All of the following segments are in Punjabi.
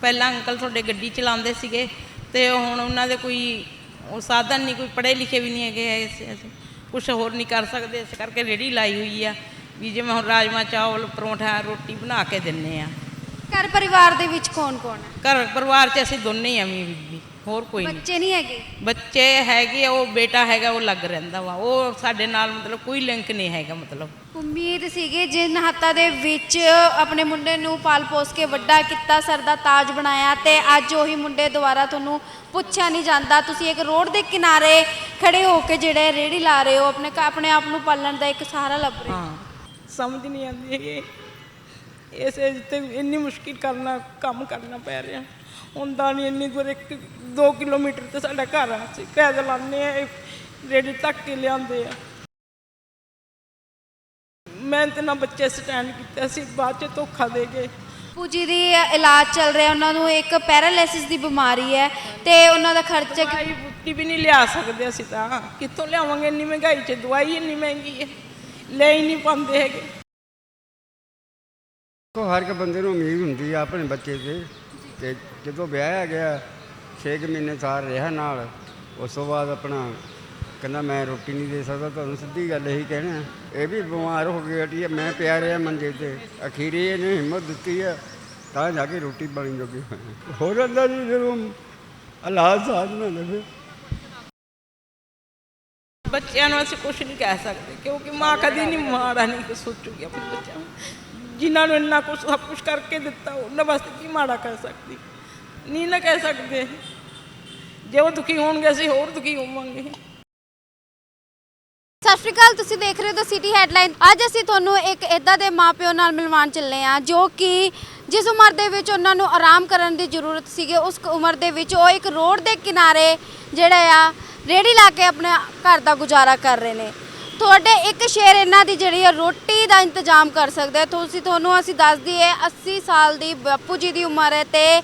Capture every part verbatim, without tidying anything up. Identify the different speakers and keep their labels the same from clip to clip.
Speaker 1: ਪਹਿਲਾਂ ਅੰਕਲ ਤੁਹਾਡੇ ਗੱਡੀ ਚਲਾਉਂਦੇ ਸੀਗੇ ਤੇ ਹੁਣ ਉਹਨਾਂ ਦੇ ਕੋਈ ਉਹ ਸਾਧਨ ਨਹੀਂ, ਕੋਈ ਪੜ੍ਹੇ ਲਿਖੇ ਵੀ ਨਹੀਂ ਹੈਗੇ, ਅਸੀਂ ਕੁਛ ਹੋਰ ਨਹੀਂ ਕਰ ਸਕਦੇ, ਇਸ ਕਰਕੇ ਰੇਹੜੀ ਲਾਈ ਹੋਈ ਆ ਵੀ ਜਿਵੇਂ ਹੁਣ ਰਾਜਮਾ ਚਾਵਲ ਪਰੌਂਠਾ ਰੋਟੀ ਬਣਾ ਕੇ ਦਿੰਦੇ ਆ।
Speaker 2: ਘਰ ਪਰਿਵਾਰ ਦੇ ਵਿੱਚ ਕੌਣ ਕੌਣ ਹੈ?
Speaker 1: ਘਰ ਪਰਿਵਾਰ 'ਚ ਅਸੀਂ ਦੋਨੇ ਹੀ ਆ, ਮੀ ਬੀਬੀ, ਹੋਰ ਕੋਈ ਨਹੀਂ।
Speaker 2: ਬੱਚੇ ਨਹੀਂ ਹੈਗੇ?
Speaker 1: ਬੱਚੇ ਹੈਗੇ, ਉਹ ਬੇਟਾ ਹੈਗਾ, ਉਹ ਲੱਗ ਰਹਿੰਦਾ ਵਾ, ਉਹ ਸਾਡੇ ਨਾਲ ਮਤਲਬ ਕੋਈ ਲਿੰਕ ਨਹੀਂ ਹੈਗਾ। ਮਤਲਬ
Speaker 2: ਉਮੀਦ ਸੀਗੀ ਜਿਨ ਹੱਥਾਂ ਦੇ ਵਿੱਚ ਆਪਣੇ ਮੁੰਡੇ ਨੂੰ ਪਾਲ ਪੋਸ ਕੇ ਵੱਡਾ ਕੀਤਾ, ਸਰ ਦਾ ਤਾਜ ਬਣਾਇਆ, ਤੇ ਅੱਜ ਉਹੀ ਮੁੰਡੇ ਦੁਆਰਾ ਤੁਹਾਨੂੰ ਪੁੱਛਿਆ ਨਹੀਂ ਜਾਂਦਾ। ਤੁਸੀਂ ਇੱਕ ਰੋਡ ਦੇ ਕਿਨਾਰੇ ਖੜੇ ਹੋ ਕੇ ਜਿਹੜੇ ਰੇਹੜੀ ਲਾ ਰਹੇ ਹੋ, ਆਪਣੇ ਆਪਣੇ ਆਪ ਨੂੰ ਪਾਲਣ ਦਾ ਇੱਕ ਸਹਾਰਾ ਲੱਭ ਰਹੇ ਹੋ।
Speaker 1: ਹਾਂ, ਸਮਝ ਨਹੀਂ ਆਉਂਦੀ ਹੈਗੀ ਇਸ ਏਜ 'ਤੇ ਇੰਨੀ ਮੁਸ਼ਕਿਲ ਕਰਨਾ ਕੰਮ ਕਰਨਾ ਪੈ ਰਿਹਾ। ਹੁੰਦਾ ਨਹੀਂ ਇੰਨੀ ਦੂਰ, ਇੱਕ ਦੋ ਕਿਲੋਮੀਟਰ 'ਤੇ ਸਾਡਾ ਘਰ ਆ, ਅਸੀਂ ਪੈਦਲ ਆਉਂਦੇ ਆ, ਰੇਹੜੀ ਤੱਕ ਕੇ ਲਿਆਉਂਦੇ ਆ। ਮਿਹਨਤ ਨਾਲ ਬੱਚੇ ਸਟੈਂਡ ਕੀਤੇ, ਅਸੀਂ ਬਾਅਦ 'ਚ ਧੋਖਾ ਦੇ ਗਏ।
Speaker 2: ਬਾਪੂ ਜੀ ਦੀ ਇਲਾਜ ਚੱਲ ਰਿਹਾ, ਉਹਨਾਂ ਨੂੰ ਇੱਕ ਪੈਰਾਲਿਸਿਸ ਦੀ ਬਿਮਾਰੀ ਹੈ ਤੇ ਉਹਨਾਂ ਦਾ ਖਰਚਾ
Speaker 1: ਦਵਾਈ ਬੂਟੀ ਵੀ ਨਹੀਂ ਲਿਆ ਸਕਦੇ ਅਸੀਂ, ਤਾਂ ਕਿੱਥੋਂ ਲਿਆਵਾਂਗੇ? ਇੰਨੀ ਮਹਿੰਗਾਈ 'ਚ ਦਵਾਈ ਇੰਨੀ ਮਹਿੰਗੀ ਹੈ, ਲੈ ਹੀ ਨਹੀਂ ਪਾਉਂਦੇ ਹੈਗੇ।
Speaker 3: ਹਰ ਇੱਕ ਬੰਦੇ ਨੂੰ ਉਮੀਦ ਹੁੰਦੀ ਆ ਆਪਣੇ ਬੱਚੇ 'ਤੇ, ਤੇ ਜਦੋਂ ਵਿਆਹਿਆ ਗਿਆ ਛੇ ਕੁ ਮਹੀਨੇ ਸਾਰ ਰਿਹਾ ਨਾਲ, ਉਸ ਤੋਂ ਬਾਅਦ ਆਪਣਾ ਕਹਿੰਦਾ ਮੈਂ ਰੋਟੀ ਨਹੀਂ ਦੇ ਸਕਦਾ ਤੁਹਾਨੂੰ, ਸਿੱਧੀ ਗੱਲ ਇਹੀ ਕਹਿਣਾ। ਇਹ ਵੀ ਬਿਮਾਰ ਹੋ ਗਿਆ ਹਟੀ, ਮੈਂ ਪਿਆ ਰਿਹਾ ਮੰਜੇ 'ਤੇ, ਅਖੀਰੀ ਇਹਨੇ ਹਿੰਮਤ ਦਿੱਤੀ ਆ ਤਾਂ ਜਾ ਕੇ ਰੋਟੀ ਬਣੀ ਜੋਗੀ ਹੋ ਜਾਂਦਾ ਜੀ ਜਦੋਂ ਹਾਲਾਤ ਸਾਥ ਨਾ ਦੇਵੇ।
Speaker 1: ਬੱਚਿਆਂ ਨੂੰ ਅਸੀਂ ਕੁਛ ਨਹੀਂ ਕਹਿ ਸਕਦੇ ਕਿਉਂਕਿ ਮਾਂ ਕਦੀ ਨਹੀਂ ਮਾੜਾ ਨਹੀਂ ਸੋਚੂਗੀ ਆਪਣੇ ਬੱਚਿਆਂ ਨੂੰ। ਜਿਨ੍ਹਾਂ ਨੂੰ ਇੰਨਾ ਕੁਛ ਸਭ ਕੁਛ ਕਰਕੇ ਦਿੱਤਾ ਉਹਨਾਂ ਵਾਸਤੇ ਕੀ ਮਾੜਾ ਕਹਿ ਸਕਦੀ? ਨਹੀਂ ਨਾ ਕਹਿ ਸਕਦੇ। ਜੇ ਉਹ ਦੁਖੀ ਹੋਣਗੇ ਅਸੀਂ ਹੋਰ ਦੁਖੀ ਹੋਵਾਂਗੇ।
Speaker 2: ਸਤਿ ਸ਼੍ਰੀ ਅਕਾਲ, ਤੁਸੀਂ ਦੇਖ ਰਹੇ ਹੋ ਦ ਸਿਟੀ ਹੈਡਲਾਈਨ। ਅੱਜ ਅਸੀਂ ਤੁਹਾਨੂੰ ਇੱਕ ਇੱਦਾਂ ਦੇ ਮਾਪਿਓ ਨਾਲ ਮਿਲਵਾਉਣ ਚੱਲੇ ਹਾਂ ਜੋ ਕਿ ਜਿਸ ਉਮਰ ਦੇ ਵਿੱਚ ਉਹਨਾਂ ਨੂੰ ਆਰਾਮ ਕਰਨ ਦੀ ਜ਼ਰੂਰਤ ਸੀਗੀ, ਉਸ ਉਮਰ ਦੇ ਵਿੱਚ ਉਹ ਇੱਕ ਰੋਡ ਦੇ ਕਿਨਾਰੇ ਜਿਹੜੇ ਆ ਰੇਹੜੀ ਲਾ ਕੇ ਆਪਣੇ ਘਰ ਦਾ ਗੁਜ਼ਾਰਾ ਕਰ ਰਹੇ ਨੇ। ਤੁਹਾਡੇ ਇੱਕ ਸ਼ੇਰ ਇਹਨਾਂ ਦੀ ਜਿਹੜੀ ਰੋਟੀ ਦਾ ਇੰਤਜ਼ਾਮ ਕਰ ਸਕਦੇ। ਤੁਸੀਂ ਤੁਹਾਨੂੰ ਅਸੀਂ ਦੱਸ ਦਈਏ ਅੱਸੀ ਸਾਲ ਦੀ ਬਾਪੂ ਜੀ ਦੀ ਉਮਰ ਹੈ ਤੇ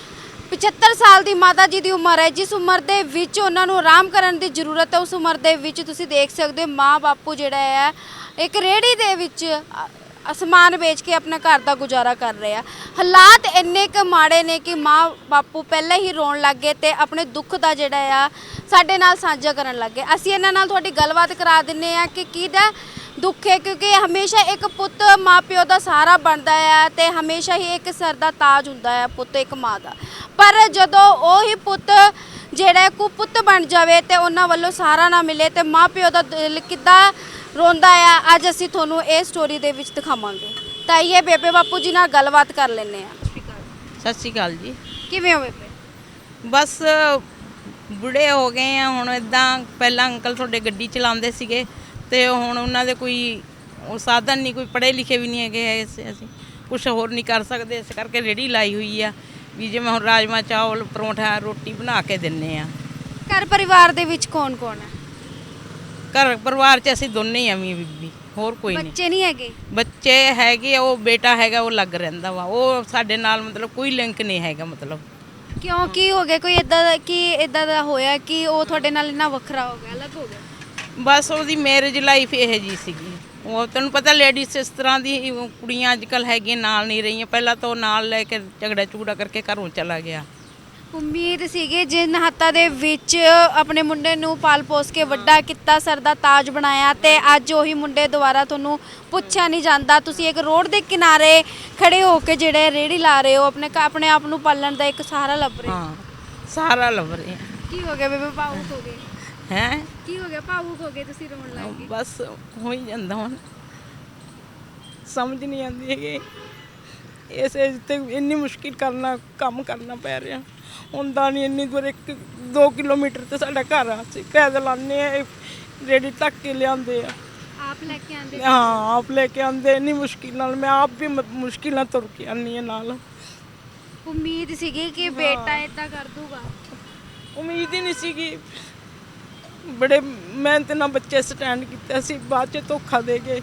Speaker 2: ਪਝੱਤਰ ਸਾਲ ਦੀ ਮਾਤਾ ਜੀ ਦੀ ਉਮਰ ਹੈ। ਜਿਸ ਉਮਰ ਦੇ ਵਿੱਚ ਉਹਨਾਂ ਨੂੰ ਆਰਾਮ ਕਰਨ ਦੀ ਜ਼ਰੂਰਤ ਹੈ, ਉਸ ਉਮਰ ਦੇ ਵਿੱਚ ਤੁਸੀਂ ਦੇਖ ਸਕਦੇ ਹੋ ਮਾਂ ਬਾਪੂ ਜਿਹੜਾ ਹੈ ਇੱਕ ਰੇਹੜੀ ਦੇ ਵਿੱਚ ਸਮਾਨ ਵੇਚ ਕੇ ਆਪਣੇ ਘਰ ਦਾ ਗੁਜ਼ਾਰਾ ਕਰ ਰਹੇ ਆ। ਹਾਲਾਤ ਇੰਨੇ ਕੁ ਮਾੜੇ ਨੇ ਕਿ ਮਾਂ ਬਾਪੂ ਪਹਿਲਾਂ ਹੀ ਰੋਣ ਲੱਗ ਗਏ ਤੇ ਆਪਣੇ ਦੁੱਖ ਦਾ ਜਿਹੜਾ ਆ ਸਾਡੇ ਨਾਲ ਸਾਂਝਾ ਕਰਨ ਲੱਗ ਗਏ। ਅਸੀਂ ਇਹਨਾਂ ਨਾਲ ਤੁਹਾਡੀ ਗੱਲਬਾਤ ਕਰਾ ਦਿੰਦੇ ਆ ਕਿ ਕਿਹਦਾ ਦੁੱਖ ਹੈ, ਕਿਉਂਕਿ ਹਮੇਸ਼ਾ ਇੱਕ ਪੁੱਤ ਮਾਂ ਪਿਓ ਦਾ ਸਹਾਰਾ ਬਣਦਾ ਹੈ ਤੇ ਹਮੇਸ਼ਾ ਹੀ ਇੱਕ ਸਿਰ ਦਾ ਤਾਜ ਹੁੰਦਾ ਹੈ ਪੁੱਤ ਇੱਕ ਮਾਂ ਦਾ। ਪਰ ਜਦੋਂ ਉਹੀ ਪੁੱਤ ਜਿਹੜਾ ਕੁਪੁੱਤ ਬਣ ਜਾਵੇ ਤੇ ਉਹਨਾਂ ਵੱਲੋਂ ਸਹਾਰਾ ਨਾ ਮਿਲੇ ਤੇ ਮਾਂ ਪਿਓ ਦਾ ਦਿਲ ਕਿੱਦਾਂ ਰੋਂਦਾ ਆ, ਅੱਜ ਅਸੀਂ ਤੁਹਾਨੂੰ ਇਹ ਸਟੋਰੀ ਦੇ ਵਿੱਚ ਦਿਖਾਵਾਂਗੇ। ਤਾਂ ਇਹ ਬੇਬੇ ਬਾਪੂ ਜੀ ਨਾਲ ਗੱਲਬਾਤ ਕਰ ਲੈਂਦੇ ਆ।
Speaker 1: ਸਤਿ ਸ਼੍ਰੀ ਅਕਾਲ ਜੀ।
Speaker 2: ਕਿਵੇਂ ਹੋ ਬੇਬੇ?
Speaker 1: ਬਸ ਬੁੜੇ ਹੋ ਗਏ ਆ ਹੁਣ। ਇੱਦਾਂ ਪਹਿਲਾਂ ਅੰਕਲ ਤੁਹਾਡੇ ਗੱਡੀ ਚਲਾਉਂਦੇ ਸੀਗੇ ਤੇ ਹੁਣ ਉਹਨਾਂ ਦੇ ਕੋਈ ਉਹ ਸਾਧਨ ਨਹੀਂ, ਕੋਈ ਪੜ੍ਹੇ ਲਿਖੇ ਵੀ ਨਹੀਂ ਹੈਗੇ, ਅਸੀਂ ਕੁਛ ਹੋਰ ਨਹੀਂ ਕਰ ਸਕਦੇ, ਇਸ ਕਰਕੇ ਰੇਹੜੀ ਲਾਈ ਹੋਈ ਆ ਵੀ ਜਿਵੇਂ ਹੁਣ ਰਾਜਮਾ ਚਾਵਲ ਪਰੌਂਠਾ ਰੋਟੀ ਬਣਾ ਕੇ ਦਿੰਦੇ ਆ।
Speaker 2: ਘਰ ਪਰਿਵਾਰ ਦੇ ਵਿੱਚ ਕੌਣ ਕੌਣ ਹੈ?
Speaker 1: ਘਰ ਪਰਿਵਾਰ 'ਚ ਅਸੀਂ ਦੋਨੇ ਹੀ ਆ, ਮੀ ਬੀਬੀ, ਹੋਰ ਕੋਈ ਨਹੀਂ।
Speaker 2: ਬੱਚੇ ਨਹੀਂ ਹੈਗੇ?
Speaker 1: ਬੱਚੇ ਹੈਗੇ, ਉਹ ਬੇਟਾ ਹੈਗਾ, ਉਹ ਲੱਗ ਰਹਿੰਦਾ ਵਾ, ਉਹ ਸਾਡੇ ਨਾਲ ਮਤਲਬ ਕੋਈ ਲਿੰਕ ਨਹੀਂ ਹੈਗਾ। ਮਤਲਬ
Speaker 2: ਕਿਉਂ, ਕੀ ਹੋ ਗਿਆ? ਕੋਈ ਇਦਾਂ ਦਾ ਕੀ ਇਦਾਂ ਦਾ ਹੋਇਆ ਕਿ ਉਹ ਤੁਹਾਡੇ ਨਾਲ ਇੰਨਾ ਵੱਖਰਾ ਹੋ ਗਿਆ, ਅਲੱਗ ਹੋ ਗਿਆ?
Speaker 1: ਬਸ ਉਹਦੀ ਮੈਰਿਜ ਲਾਈਫ ਇਹ ਜੀ ਸੀਗੀ। ਉਹ ਤੈਨੂੰ ਪਤਾ ਲੇਡੀਜ਼ ਇਸ ਤਰ੍ਹਾਂ ਦੀ ਕੁੜੀਆਂ ਅੱਜ ਕੱਲ੍ਹ ਹੈਗੀਆਂ, ਨਾਲ ਨਹੀਂ ਰਹੀਆਂ। ਪਹਿਲਾਂ ਤਾਂ ਉਹ ਨਾਲ ਲੈ ਕੇ ਝਗੜਾ ਝੂੜਾ ਕਰਕੇ ਘਰੋਂ ਚਲਾ ਗਿਆ।
Speaker 2: ਉਮੀਦ ਸੀਗੀ ਜਿਨ ਹੱਥਾਂ ਦੇ ਵਿੱਚ ਆਪਣੇ ਮੁੰਡੇ ਨੂੰ ਪਾਲ ਪੋਸ ਕੇ ਵੱਡਾ ਕੀਤਾ, ਸਰ ਦਾ ਤਾਜ ਬਣਾਇਆ, ਤੇ ਅੱਜ ਉਹੀ ਮੁੰਡੇ ਦੁਆਰਾ ਤੁਹਾਨੂੰ ਪੁੱਛਿਆ ਨਹੀਂ ਜਾਂਦਾ। ਤੁਸੀਂ ਇੱਕ ਰੋਡ ਦੇ ਕਿਨਾਰੇ ਖੜੇ ਹੋ ਕੇ ਜਿਹੜੇ ਰੇਹੜੀ ਲਾ ਰਹੇ ਹੋ, ਆਪਣੇ ਆਪਣੇ ਆਪ ਨੂੰ ਪਾਲਣ ਦਾ ਇੱਕ ਸਹਾਰਾ ਲੱਭ ਰਹੇ ਹੋ।
Speaker 1: ਹਾਂ, ਸਹਾਰਾ ਲੱਭ ਰਹੇ
Speaker 2: ਕੀ ਹੋ ਗਿਆ ਬੇਬੇ? ਭਾਵੁਕ ਹੋ ਗਏ?
Speaker 1: ਹੈ
Speaker 2: ਕੀ ਹੋ ਗਿਆ? ਭਾਵੁਕ ਹੋ ਗਏ, ਤੁਸੀਂ ਰੋਣ ਲੱਗ ਗਏ?
Speaker 1: ਬਸ ਹੋ ਹੀ ਜਾਂਦਾ ਹੁਣ, ਸਮਝ ਨਹੀਂ ਆਉਂਦੀ ਹੈਗੀ ਇਸ ਏਜ 'ਤੇ ਇੰਨੀ ਮੁਸ਼ਕਿਲ ਕਰਨਾ ਕੰਮ ਕਰਨਾ ਪੈ ਰਿਹਾ। ਹੁੰਦਾ ਨਹੀਂ ਇੰਨੀ ਦੂਰ, ਇੱਕ ਦੋ ਕਿਲੋਮੀਟਰ 'ਤੇ ਸਾਡਾ ਘਰ ਆ, ਅਸੀਂ ਪੈਦਲ ਆਉਂਦੇ ਆ, ਰੇਹੜੀ ਤੱਕ ਕੇ ਲਿਆਉਂਦੇ ਆ।
Speaker 2: ਆਪ ਲੈ ਕੇ ਆਉਂਦੇ?
Speaker 1: ਹਾਂ, ਆਪ ਲੈ ਕੇ ਆਉਂਦੇ। ਇੰਨੀ ਮੁਸ਼ਕਿਲ ਨਾਲ ਮੈਂ ਆਪ ਵੀ ਮੁਸ਼ਕਿਲ ਨਾਲ ਤੁਰ ਕੇ ਆਉਂਦੀ ਹਾਂ ਨਾਲ।
Speaker 2: ਉਮੀਦ ਸੀਗੀ ਕਿ ਬੇਟਾ ਇਦਾਂ ਕਰ ਦੂਗਾ?
Speaker 1: ਉਮੀਦ ਹੀ ਨਹੀਂ ਸੀਗੀ। ਬੜੇ ਮਿਹਨਤ ਨਾਲ ਬੱਚੇ ਸਟੈਂਡ ਕੀਤੇ, ਅਸੀਂ ਬਾਅਦ 'ਚ ਧੋਖਾ ਦੇ ਗਏ।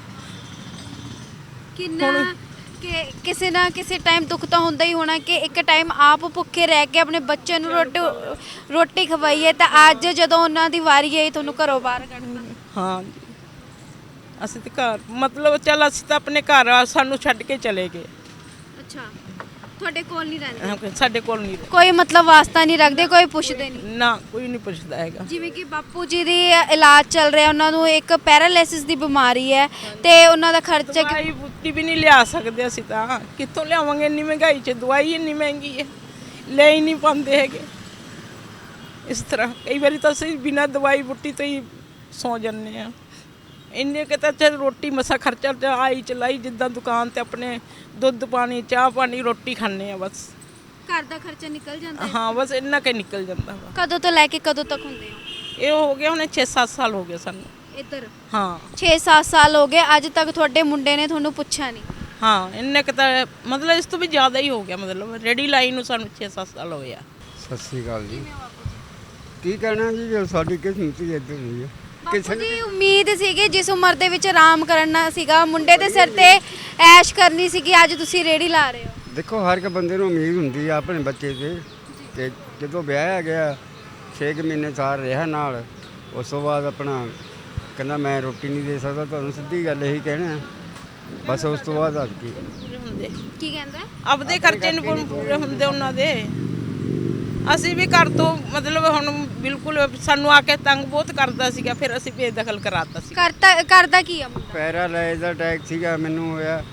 Speaker 2: ਕਿੰਨਾ ਕਿ ਕਿਸੇ ਨਾ ਕਿਸੇ ਟਾਈਮ ਦੁੱਖ ਤਾਂ ਹੁੰਦਾ ਹੀ ਹੋਣਾ ਕਿ ਇੱਕ ਟਾਈਮ ਆਪ ਭੁੱਖੇ ਰਹਿ ਕੇ ਆਪਣੇ ਬੱਚੇ ਨੂੰ ਰੋਟੀ ਰੋਟੀ ਖਵਾਈਏ, ਤਾਂ ਅੱਜ ਜਦੋਂ ਉਹਨਾਂ ਦੀ ਵਾਰੀ ਆਈ ਤੁਹਾਨੂੰ ਘਰੋਂ ਬਾਹਰ ਕੱਢਣਾ।
Speaker 1: ਹਾਂ ਜੀ, ਅਸੀਂ ਤਾਂ ਘਰ ਮਤਲਬ ਚੱਲ ਅਸੀਂ ਤਾਂ ਆਪਣੇ ਘਰ ਆ, ਸਾਨੂੰ ਛੱਡ ਕੇ ਚਲੇ ਗਏ।
Speaker 2: ਅੱਛਾ, ਤੁਹਾਡੇ ਕੋਲ ਨਹੀਂ ਰਹਿੰਦੇ
Speaker 1: ਅਹ ਸਾਡੇ ਕੋਲ ਨਹੀਂ ਰਹਿ-
Speaker 2: ਕੋਈ ਮਤਲਬ ਵਾਸਤਾ ਨਹੀਂ ਰੱਖਦੇ ਕੋਈ ਪੁੱਛਦੇ ਨਹੀਂ
Speaker 1: ਨਾ ਕੋਈ ਨਹੀਂ ਪੁੱਛਦਾ ਹੈਗਾ।
Speaker 2: ਜਿਵੇਂ ਕਿ ਬਾਪੂ ਜੀ ਦੀ ਇਲਾਜ ਚੱਲ ਰਿਹਾ ਉਹਨਾਂ ਨੂੰ ਇੱਕ ਪੈਰਾਲਿਸਿਸ ਦੀ ਬਿਮਾਰੀ ਹੈ ਤੇ ਉਹਨਾਂ ਦਾ ਖਰਚਾ ਕਿ-
Speaker 1: ਦਵਾਈ ਬੂਟੀ ਵੀ ਨਹੀਂ ਲਿਆ ਸਕਦੇ ਅਸੀਂ ਤਾਂ, ਕਿੱਥੋਂ ਲਿਆਵਾਂਗੇ? ਇੰਨੀ ਮਹਿੰਗਾਈ 'ਚ ਦਵਾਈ ਇੰਨੀ ਮਹਿੰਗੀ ਹੈ, ਲੈ ਹੀ ਨਹੀਂ ਪਾਉਂਦੇ ਹੈਗੇ। ਇਸ ਤਰ੍ਹਾਂ ਕਈ ਵਾਰੀ ਤਾਂ ਅਸੀਂ ਬਿਨਾਂ ਦਵਾਈ ਬੂਟੀ ਤੋਂ ਹੀ ਸੌ ਜਾਂਦੇ ਆ। ਇੰਨੇ ਕਿ ਤਾਂ ਚੱਲ ਰੋਟੀ ਮਸਾ ਖਰਚਾ ਤੇ ਆਈ ਚਲਾਈ, ਜਿੱਦਾਂ ਦੁਕਾਨ ਤੇ ਆਪਣੇ ਦੁੱਧ ਪਾਣੀ ਚਾਹ ਪਾਣੀ ਰੋਟੀ ਖਾਂਦੇ ਆ ਬਸ।
Speaker 2: ਘਰ ਦਾ ਖਰਚਾ ਨਿਕਲ ਜਾਂਦਾ ਹੈ
Speaker 1: ਹਾਂ ਬਸ ਇੰਨਾ ਕੁ ਨਿਕਲ ਜਾਂਦਾ ਵਾ।
Speaker 2: ਕਦੋਂ ਤੋਂ ਲੈ ਕੇ ਕਦੋਂ ਤੱਕ ਹੁੰਦੇ ਹੋ
Speaker 1: ਇਹ ਹੋ ਗਿਆ ਹੁਣੇ ਛੇ ਸੱਤ ਸਾਲ ਹੋ ਗਏ ਸਾਨੂੰ।
Speaker 2: ਇੱਧਰ
Speaker 1: ਹਾਂ
Speaker 2: ਛੇ ਸੱਤ ਸਾਲ ਹੋ ਗਏ ਅੱਜ ਤੱਕ ਤੁਹਾਡੇ ਮੁੰਡੇ ਨੇ ਤੁਹਾਨੂੰ ਪੁੱਛਿਆ ਨਹੀਂ
Speaker 1: ਹਾਂ ਇੰਨੇ ਕੁ ਤਾਂ ਮਤਲਬ ਇਸ ਤੋਂ ਵੀ ਜ਼ਿਆਦਾ ਹੀ ਹੋ ਗਿਆ। ਮਤਲਬ ਰੈਡੀ ਲਾਈਨ ਨੂੰ ਸਾਨੂੰ ਛੇ ਸੱਤ ਸਾਲ ਹੋਏ ਆ।
Speaker 3: ਸਤਿ ਸ੍ਰੀ ਅਕਾਲ ਜੀ। ਕੀ ਕਹਿਣਾ ਜੀ, ਜੋ ਸਾਡੀ ਕਿਸਮਤ ਹੀ ਇੱਦਾਂ ਦੀ ਹੈ।
Speaker 2: ਬਾਪੂ ਜੀ ਉਮੀਦ ਸੀਗੀ ਜਿਸ ਉਮਰ ਦੇ ਵਿੱਚ ਆਰਾਮ ਕਰਨਾ ਸੀਗਾ ਮੁੰਡੇ ਦੇ ਸਿਰ ਤੇ ਐਸ਼ ਕਰਨੀ ਸੀਗੀ, ਅੱਜ ਤੁਸੀਂ ਰੇੜੀ ਲਾ ਰਹੇ ਹੋ।
Speaker 3: ਦੇਖੋ ਹਰ ਇੱਕ ਬੰਦੇ ਨੂੰ ਉਮੀਦ ਹੁੰਦੀ ਆ ਆਪਣੇ ਬੱਚੇ ਤੇ, ਤੇ ਜਦੋਂ ਵਿਆਹਿਆ ਗਿਆ ਛੇ ਕੁ ਮਹੀਨੇ ਸਾਰ ਰਿਹਾ ਨਾਲ, ਉਸ ਤੋਂ ਬਾਅਦ ਆਪਣਾ ਕਹਿੰਦਾ ਮੈਂ ਰੋਟੀ ਨਹੀਂ ਦੇ ਸਕਦਾ ਤੁਹਾਨੂੰ, ਸਿੱਧੀ ਗੱਲ ਇਹੀ ਕਹਿਣਾ ਬਸ। ਉਸ ਤੋਂ ਬਾਅਦ ਅੱਜ ਕੀ
Speaker 1: ਪੂਰੇ ਹੁੰਦੇ
Speaker 2: ਕੀ ਕਹਿੰਦਾ
Speaker 1: ਆਪਦੇ ਖਰਚੇ ਨਹੀਂ ਪੂਰੇ ਪੂਰੇ ਹੁੰਦੇ ਉਹਨਾਂ ਦੇ। ਅਸੀਂ ਵੀ ਘਰ ਤੋਂ ਮਤਲਬ ਹੁਣ ਬਿਲਕੁਲ ਸਾਨੂੰ ਆ ਕੇ ਤੰਗ ਬਹੁਤ ਕਰਦਾ ਸੀਗਾ, ਫਿਰ ਅਸੀਂ ਬੇਦਖਲ ਕਰਾਤਾ ਸੀ।
Speaker 2: ਕਰਤਾ ਕਰਦਾ ਕੀ ਆ ਮੁੰਡਾ
Speaker 3: ਪੈਰਾਲਾਈਜ਼ ਦਾ ਅਟੈਕ ਸੀਗਾ ਮੈਨੂੰ ਹੋਇਆ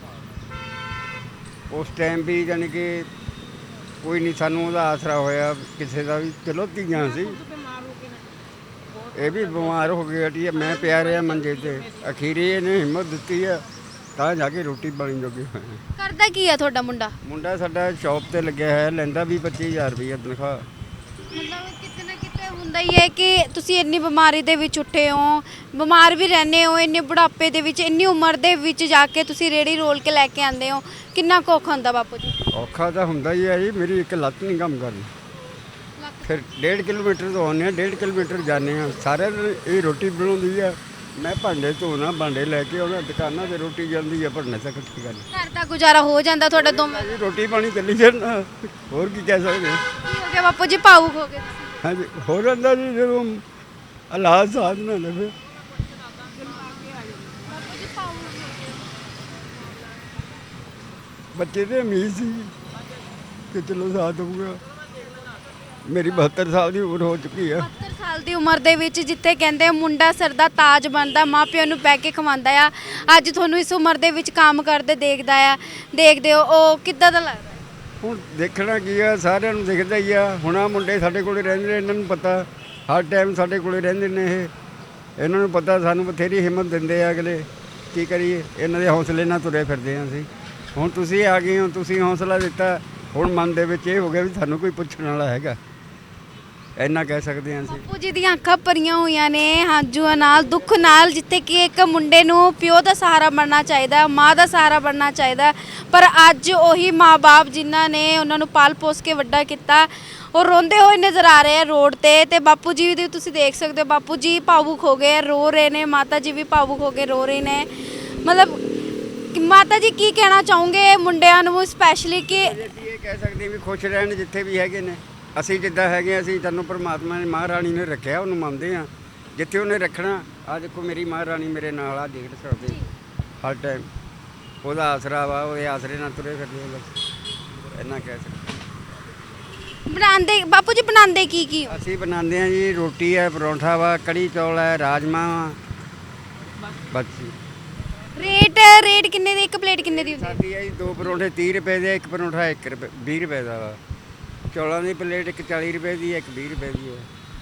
Speaker 3: ਉਸ ਟਾਈਮ ਵੀ, ਯਾਨੀ ਕਿ ਕੋਈ ਨਹੀਂ ਸਾਨੂੰ ਉਹਦਾ ਆਸਰਾ ਹੋਇਆ ਕਿਸੇ ਦਾ ਵੀ। ਚਲੋ ਧੀਆਂ ਸੀ, ਇਹ ਵੀ ਬਿਮਾਰ ਹੋ ਗਈ ਹਟੀ। ਮੈਂ ਪਿਆ ਰਿਹਾ ਮੰਜੇ ਤੇ, ਅਖੀਰੀ ਇਹਨੇ ਹਿੰਮਤ ਦਿੱਤੀ ਆ ਤਾਂ ਜਾ ਕੇ ਰੋਟੀ ਪਾਣੀ ਜੋਗੇ ਹੋਏ।
Speaker 2: ਕਰਦਾ ਕੀ ਆ ਤੁਹਾਡਾ ਮੁੰਡਾ?
Speaker 3: ਮੁੰਡਾ ਸਾਡਾ ਸ਼ੌਪ ਤੇ ਲੱਗਿਆ ਹੈ, ਲੈਂਦਾ ਵੀ ਪੱਚੀ ਹਜ਼ਾਰ ਰੁਪਈਆ ਤਨਖਾਹ।
Speaker 2: ਮਤਲਬ ਕਿਤੇ ਨਾ ਕਿਤੇ ਹੁੰਦਾ ਹੀ ਹੈ ਕਿ ਤੁਸੀਂ ਇੰਨੀ ਬਿਮਾਰੀ ਦੇ ਵਿੱਚ ਉੱਠੇ ਹੋ, ਬਿਮਾਰ ਵੀ ਰਹਿੰਦੇ ਹੋ, ਇੰਨੇ ਬੁਢਾਪੇ ਦੇ ਵਿੱਚ ਇੰਨੀ ਉਮਰ ਦੇ ਵਿੱਚ ਜਾ ਕੇ ਤੁਸੀਂ ਰੇੜੀ ਰੋਲ ਕੇ ਲੈ ਕੇ ਆਉਂਦੇ ਹੋ, ਕਿੰਨਾ ਕੁ ਔਖਾ ਹੁੰਦਾ ਬਾਪੂ ਜੀ?
Speaker 3: ਔਖਾ ਤਾਂ ਹੁੰਦਾ ਹੀ ਹੈ ਜੀ। ਮੇਰੀ ਇੱਕ ਲੱਤ ਨਹੀਂ ਕੰਮ ਕਰਦੀ, ਫਿਰ ਡੇਢ ਕਿਲੋਮੀਟਰ ਤੋਂ ਆਉਂਦੇ ਹਾਂ, ਡੇਢ ਕਿਲੋਮੀਟਰ ਜਾਂਦੇ ਹਾਂ। ਸਾਰਿਆਂ ਦਿਨ ਇਹ ਰੋਟੀ ਬਣਾਉਂਦੀ ਆ, ਮੈਂ ਭਾਂਡੇ ਧੋਣਾ, ਭਾਂਡੇ ਲੈ ਕੇ ਆਉਣਾ, ਦੁਕਾਨਾਂ ਤੇ ਰੋਟੀ ਜਾਂਦੀ ਆ ਭਰਨੇ ਤੱਕ। ਕੀ ਗੱਲ
Speaker 2: ਘਰ ਦਾ ਗੁਜ਼ਾਰਾ ਹੋ ਜਾਂਦਾ ਤੁਹਾਡਾ ਦੋਵੇਂ?
Speaker 3: ਜੀ, ਰੋਟੀ ਪਾਣੀ ਚੱਲੀ ਜਾਂਦਾ, ਹੋਰ ਕੀ ਕਹਿ ਸਕਦੇ।
Speaker 2: ਕੀ ਹੋ ਗਿਆ ਬਾਪੂ ਜੀ, ਭਾਵੁਕ ਹੋ ਗਏ ਤੁਸੀਂ?
Speaker 3: ਹਾਂਜੀ ਹੋ ਜਾਂਦਾ ਜੀ ਜਦੋਂ ਹਾਲਾਤ ਸਾਥ ਨਾ ਦੇਵੇ। ਬੱਚੇ ਤੇ ਉਮੀਦ ਸੀ ਕਿ ਚਲੋ ਸਾਥ ਹੋਊਗਾ। ਮੇਰੀ ਬਹੱਤਰ ਸਾਲ ਦੀ ਉਮਰ ਹੋ ਚੁੱਕੀ ਆ।
Speaker 2: ਬਹੱਤਰ ਸਾਲ ਦੀ ਉਮਰ ਦੇ ਵਿੱਚ ਜਿੱਥੇ ਕਹਿੰਦੇ ਆ ਮੁੰਡਾ ਸਿਰ ਦਾ ਤਾਜ ਬਣਦਾ, ਮਾਪਿਆਂ ਨੂੰ ਬਹਿ ਕੇ ਖਵਾਉਂਦਾ ਆ, ਅੱਜ ਤੁਹਾਨੂੰ ਇਸ ਉਮਰ ਦੇ ਵਿੱਚ ਕੰਮ ਕਰਦੇ ਦੇਖਦਾ ਆ ਦੇਖਦੇ ਹੋ, ਉਹ ਕਿੱਦਾਂ ਦਾ ਲੱਗਦਾ?
Speaker 3: ਹੁਣ ਦੇਖਣਾ ਕੀ ਆ, ਸਾਰਿਆਂ ਨੂੰ ਦਿਖਦਾ ਹੀ ਆ। ਹੁਣ ਆ ਮੁੰਡੇ ਸਾਡੇ ਕੋਲੇ ਰਹਿੰਦੇ ਨੇ, ਇਹਨਾਂ ਨੂੰ ਪਤਾ ਹਰ ਟਾਈਮ ਸਾਡੇ ਕੋਲੇ ਰਹਿੰਦੇ ਨੇ। ਇਹ ਇਹਨਾਂ ਨੂੰ ਪਤਾ ਸਾਨੂੰ ਬਥੇਰੀ ਹਿੰਮਤ ਦਿੰਦੇ ਆ ਅਗਲੇ। ਕੀ ਕਰੀਏ, ਇਹਨਾਂ ਦੇ ਹੌਸਲੇ ਨਾਲ ਤੁਰੇ ਫਿਰਦੇ ਹਾਂ ਅਸੀਂ। ਹੁਣ ਤੁਸੀਂ ਆ ਗਏ ਹੋ, ਤੁਸੀਂ ਹੌਸਲਾ ਦਿੱਤਾ, ਹੁਣ ਮਨ ਦੇ ਵਿੱਚ ਇਹ ਹੋ ਗਿਆ ਵੀ ਸਾਨੂੰ ਕੋਈ ਪੁੱਛਣ ਵਾਲਾ ਹੈਗਾ, ਇੰਨਾ ਕਹਿ ਸਕਦੇ ਹਾਂ ਅਸੀਂ।
Speaker 2: ਬਾਪੂ ਜੀ ਦੀਆਂ ਅੱਖਾਂ ਭਰੀਆਂ ਹੋਈਆਂ ਨੇ ਹੰਝੂਆਂ ਨਾਲ, ਦੁੱਖ ਨਾਲ, ਜਿੱਥੇ ਕਿ ਇੱਕ ਮੁੰਡੇ ਨੂੰ ਪਿਓ ਦਾ ਸਹਾਰਾ ਬਣਨਾ ਚਾਹੀਦਾ, ਮਾਂ ਦਾ ਸਹਾਰਾ ਬਣਨਾ ਚਾਹੀਦਾ, ਪਰ ਅੱਜ ਉਹੀ ਮਾਂ-ਬਾਪ ਜਿਨ੍ਹਾਂ ਨੇ ਉਹਨਾਂ ਨੂੰ ਪਾਲ ਪੋਸ ਕੇ ਵੱਡਾ ਕੀਤਾ, ਉਹ ਰੋਂਦੇ ਹੋਏ ਨਜ਼ਰ ਆ ਰਹੇ ਆ ਰੋਡ ਤੇ। ਤੇ ਬਾਪੂ ਜੀ ਵੀ ਤੁਸੀਂ ਦੇਖ ਸਕਦੇ ਹੋ, ਬਾਪੂ ਜੀ ਭਾਵੁਕ ਹੋ ਗਏ, ਰੋ ਰਹੇ ਨੇ, ਮਾਤਾ ਜੀ ਵੀ ਭਾਵੁਕ ਹੋ ਕੇ ਰੋ ਰਹੇ ਨੇ। ਮਤਲਬ ਕਿ ਮਾਤਾ ਜੀ ਕੀ ਕਹਿਣਾ ਚਾਹੋਗੇ ਮੁੰਡਿਆਂ ਨੂੰ ਸਪੈਸ਼ਲੀ ਕਿ
Speaker 3: ਅਸੀਂ ਇਹ ਕਹਿ ਸਕਦੇ ਵੀ ਖੁਸ਼ ਰਹਿਣ ਜਿੱਥੇ ਵੀ ਹੈਗੇ ਨੇ। ਅਸੀਂ ਜਿੱਦਾਂ ਹੈਗੇ ਅਸੀਂ ਤੁਹਾਨੂੰ ਪਰਮਾਤਮਾ ਨੇ ਮਹਾਰਾਣੀ ਨੇ ਰੱਖਿਆ, ਉਹਨੂੰ ਮੰਨਦੇ ਆ ਜਿੱਥੇ ਉਹਨੇ ਰੱਖਣਾ। ਆ ਦੇਖੋ ਮੇਰੀ ਮਹਾਰਾਣੀ ਮੇਰੇ ਨਾਲ ਆ, ਦੇਖ ਸਕਦੇ ਹਰ ਟਾਈਮ ਉਹਦਾ ਆਸਰਾ ਵਾ, ਉਹਦੇ ਆਸਰੇ ਨਾਲ ਤੁਰੇ ਫਿਰਦੇ ਆ ਬਸ, ਇੰਨਾ ਕਹਿ ਸਕਦੇ।
Speaker 2: ਬਣਾਉਂਦੇ ਬਾਪੂ ਜੀ ਬਣਾਉਂਦੇ ਕੀ ਕੀ ਹੋ?
Speaker 3: ਅਸੀਂ ਬਣਾਉਂਦੇ ਆ ਜੀ, ਰੋਟੀ ਹੈ, ਪਰੌਂਠਾ ਵਾ, ਕੜੀ ਚੌਲ ਹੈ, ਰਾਜਮਾ ਵਾ, ਬਸ ਜੀ।
Speaker 2: ਰੇਟ ਰੇਟ ਕਿੰਨੇ ਦੀ, ਇੱਕ ਪਲੇਟ ਕਿੰਨੇ ਦੀ ਹੁੰਦੀ ਹੈ?
Speaker 3: ਸਾਡੀ ਹੈ ਜੀ ਦੋ ਪਰੌਂਠੇ ਤੀਹ ਰੁਪਏ ਦੇ, ਇੱਕ ਪਰੌਂਠਾ ਇੱਕ ਰੁਪਏ ਵੀਹ ਰੁਪਏ ਦਾ ਵਾ। ਚੌਲਾਂ ਦੀ ਪਲੇਟ ਇੱਕ ਚਾਲੀ ਰੁਪਏ ਦੀ ਹੈ, ਇੱਕ ਵੀਹ ਰੁਪਏ ਦੀ ਹੈ।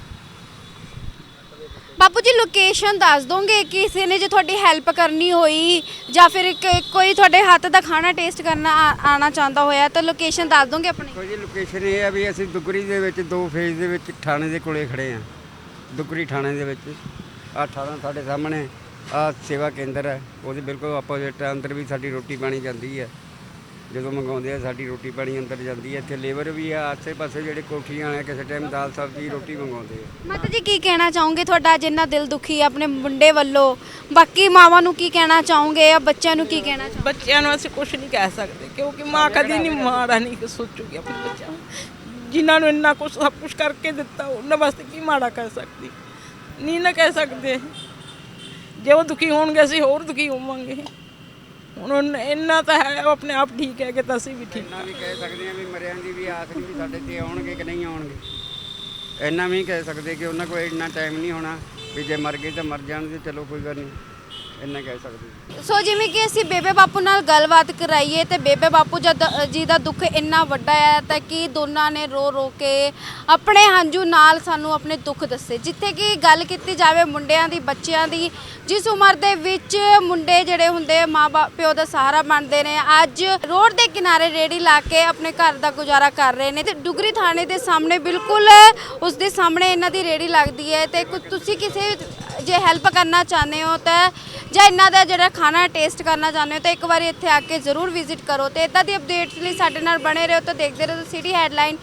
Speaker 2: ਬਾਪੂ ਜੀ ਲੋਕੇਸ਼ਨ ਦੱਸ ਦੋਗੇ, ਕਿਸੇ ਨੇ ਜੇ ਤੁਹਾਡੀ ਹੈਲਪ ਕਰਨੀ ਹੋਈ ਜਾਂ ਫਿਰ ਇੱਕ ਕੋਈ ਤੁਹਾਡੇ ਹੱਥ ਦਾ ਖਾਣਾ ਟੇਸਟ ਕਰਨਾ ਆ- ਆਉਣਾ ਚਾਹੁੰਦਾ ਹੋਇਆ ਤਾਂ ਲੋਕੇਸ਼ਨ ਦੱਸ ਦੋਗੇ ਆਪਣੀ?
Speaker 3: ਕੋਈ ਜੀ ਲੋਕੇਸ਼ਨ ਇਹ ਹੈ ਵੀ ਅਸੀਂ ਦੁਗਰੀ ਦੇ ਵਿੱਚ ਦੋ ਫੇਜ਼ ਦੇ ਵਿੱਚ ਥਾਣੇ ਦੇ ਕੋਲੇ ਖੜੇ ਆ। ਦੁਗਰੀ ਥਾਣੇ ਦੇ ਵਿੱਚ ਆਹ ਥਾਣਾ ਸਾਡੇ ਸਾਹਮਣੇ, ਆਹ ਸੇਵਾ ਕੇਂਦਰ ਹੈ, ਉਹਦੇ ਬਿਲਕੁਲ ਆਪੋਜ਼ਿਟ ਅੰਦਰ ਵੀ ਸਾਡੀ ਰੋਟੀ ਪਾਣੀ ਜਾਂਦੀ ਹੈ। ਜਦੋਂ ਮੰਗਾਉਂਦੇ ਆ ਸਾਡੀ ਰੋਟੀ ਪਾਣੀ ਅੰਦਰ ਜਾਂਦੀ ਹੈ। ਇੱਥੇ ਲੇਬਰ ਵੀ ਆ, ਆਸੇ ਪਾਸੇ ਜਿਹੜੇ ਕੋਠੀਆਂ ਵਾਲੇ ਕਿਸੇ ਟਾਈਮ ਦਾਲ ਸਬਜ਼ੀ ਰੋਟੀ ਮੰਗਾਉਂਦੇ ਆ।
Speaker 2: ਮਾਤਾ ਜੀ ਕੀ ਕਹਿਣਾ ਚਾਹੋਗੇ, ਤੁਹਾਡਾ ਜਿੰਨਾ ਦਿਲ ਦੁਖੀ ਹੈ ਆਪਣੇ ਮੁੰਡੇ ਵੱਲੋਂ, ਬਾਕੀ ਮਾਵਾਂ ਨੂੰ ਕੀ ਕਹਿਣਾ ਚਾਹੋਗੇ ਜਾਂ ਬੱਚਿਆਂ ਨੂੰ ਕੀ ਕਹਿਣਾ ਚਾਹੋਗੇ?
Speaker 1: ਬੱਚਿਆਂ ਨੂੰ ਅਸੀਂ ਕੁਝ ਨਹੀਂ ਕਹਿ ਸਕਦੇ, ਕਿਉਂਕਿ ਮਾਂ ਕਦੀ ਨਹੀਂ ਮਾੜਾ ਨਹੀਂ ਸੋਚੂਗੀ ਆਪਣੇ ਬੱਚਿਆਂ ਨੂੰ। ਜਿਨ੍ਹਾਂ ਨੂੰ ਇੰਨਾ ਕੁਝ ਸਭ ਕੁਝ ਕਰਕੇ ਦਿੱਤਾ, ਉਹਨਾਂ ਵਾਸਤੇ ਕੀ ਮਾੜਾ ਕਹਿ ਸਕਦੀ? ਨਹੀਂ ਨਾ ਕਹਿ ਸਕਦੇ। ਜੇ ਉਹ ਦੁਖੀ ਹੋਣਗੇ ਅਸੀਂ ਹੋਰ ਦੁਖੀ ਹੋਵਾਂਗੇ। ਹੁਣ ਉਹਨ- ਇੰਨਾ ਤਾਂ ਹੈ ਉਹ ਆਪਣੇ ਆਪ ਠੀਕ ਹੈ ਕਿ ਤਾਂ ਅਸੀਂ ਵੀ ਠੀਕ
Speaker 3: ਇੰਨਾ ਵੀ ਕਹਿ ਸਕਦੇ ਹਾਂ ਵੀ ਮਰਿਆਂ ਦੀ ਵੀ ਆਸ ਨਹੀਂ ਵੀ ਸਾਡੇ ਤੇ ਆਉਣਗੇ ਕਿ ਨਹੀਂ ਆਉਣਗੇ। ਇੰਨਾ ਵੀ ਕਹਿ ਸਕਦੇ ਕਿ ਉਹਨਾਂ ਕੋਲ ਇੰਨਾ ਟਾਈਮ ਨਹੀਂ ਹੋਣਾ ਵੀ ਜੇ ਮਰ ਗਏ ਤਾਂ ਮਰ ਜਾਣ ਤੇ ਚਲੋ ਕੋਈ ਗੱਲ ਨਹੀਂ, ਇੰਨਾ ਕਹਿ ਸਕਦੇ।
Speaker 2: ਸੋ ਜਿਵੇਂ ਕਿ ਅਸੀਂ ਬੇਬੇ ਬਾਪੂ ਨਾਲ ਗੱਲਬਾਤ ਕਰਾਈਏ ਤੇ ਬੇਬੇ ਬਾਪੂ ਜਦ ਜੀ ਦਾ ਦੁੱਖ ਇੰਨਾ ਵੱਡਾ ਹੈ ਤਾਂ ਕਿ ਦੋਨਾਂ ਨੇ ਰੋ ਰੋ ਕੇ ਆਪਣੇ ਹੰਝੂ ਨਾਲ ਸਾਨੂੰ ਆਪਣੇ ਦੁੱਖ ਦੱਸੇ। ਜਿੱਥੇ ਕਿ ਗੱਲ ਕੀਤੀ ਜਾਵੇ ਮੁੰਡਿਆਂ ਦੀ, ਬੱਚਿਆਂ ਦੀ, ਜਿਸ ਉਮਰ ਦੇ ਵਿੱਚ ਮੁੰਡੇ ਜਿਹੜੇ ਹੁੰਦੇ ਮਾਂ ਬਾਪ ਪਿਓ ਦਾ ਸਹਾਰਾ ਬਣਦੇ ਨੇ, ਅੱਜ ਰੋਡ ਦੇ ਕਿਨਾਰੇ ਰੇੜੀ ਲਾ ਕੇ ਆਪਣੇ ਘਰ ਦਾ ਗੁਜ਼ਾਰਾ ਕਰ ਰਹੇ ਨੇ। ਤੇ ਡੁਗਰੀ ਥਾਣੇ ਦੇ ਸਾਹਮਣੇ ਬਿਲਕੁਲ ਉਸ ਦੇ ਸਾਹਮਣੇ ਇਹਨਾਂ ਦੀ ਰੇੜੀ ਲੱਗਦੀ ਹੈ। ਤੇ ਕੁ- ਤੁਸੀਂ ਕਿਸੇ ਜੇ ਹੈਲਪ ਕਰਨਾ ਚਾਹੁੰਦੇ ਹੋ ਤਾਂ ਜਾਂ ਇਹਨਾਂ ਦਾ ਜਿਹੜਾ ਖਾਣਾ ਟੇਸਟ ਕਰਨਾ ਚਾਹੁੰਦੇ ਹੋ ਤਾਂ ਇੱਕ ਵਾਰੀ ਇੱਥੇ ਆ ਕੇ ਜ਼ਰੂਰ ਵਿਜ਼ਿਟ ਕਰੋ। ਤੇ ਇਦਾਂ ਦੀ ਅਪਡੇਟਸ ਲਈ ਸਾਡੇ ਨਾਲ ਬਣੇ ਰਹੋ। ਤਾਂ ਦੇਖਦੇ ਰਹੋ ਸਿਟੀ ਹੈਡਲਾਈਨ।